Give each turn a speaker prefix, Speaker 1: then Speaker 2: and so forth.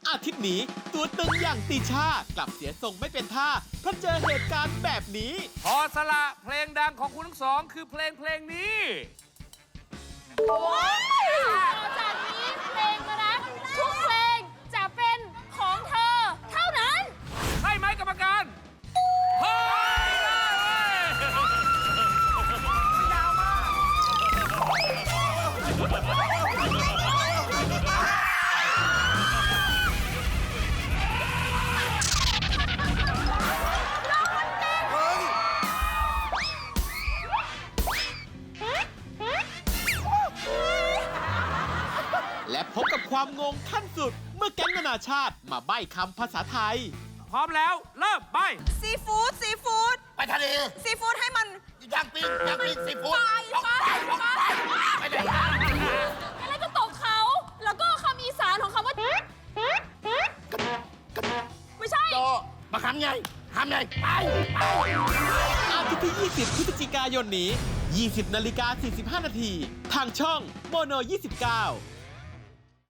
Speaker 1: อาทิตย์นี้ตัวตึงอย่างติชากลับเสียทรงไม่เป็นท่าเพราะเจอเหตุการณ์แบบนี้
Speaker 2: พอสละเพลงดังของคุณทั้งสองคือเพลงนี้
Speaker 3: โอ้ยต่อจากนี้เพลงนะทุกเพลงจะเป็นของเธอเท่านั้น
Speaker 2: ใช่ไหมกรรมการเฮ้ยได้เว้ยยาวมาก
Speaker 1: และพบกับความงงขั้นสุดเมื่อแก๊งนานาชาติมาใบ้คำภาษาไทย
Speaker 2: พร้อมแล้วเริ่มใบ
Speaker 4: ซีฟู้ดซีฟู้ด
Speaker 5: ไปทะเล
Speaker 4: ซีฟู้ดให้มัน
Speaker 5: ย่างปิ้งซีฟู้ด
Speaker 3: ไปไหนแล้วก็ตกเขา แล้วก็คำอีสานของคำว่าไม่ใช่
Speaker 5: โตมาทำไงไป
Speaker 1: อาทิตย์ที่ 20 พฤศจิกายนนี้ 20:45 นาที ทางช่องโมโน 29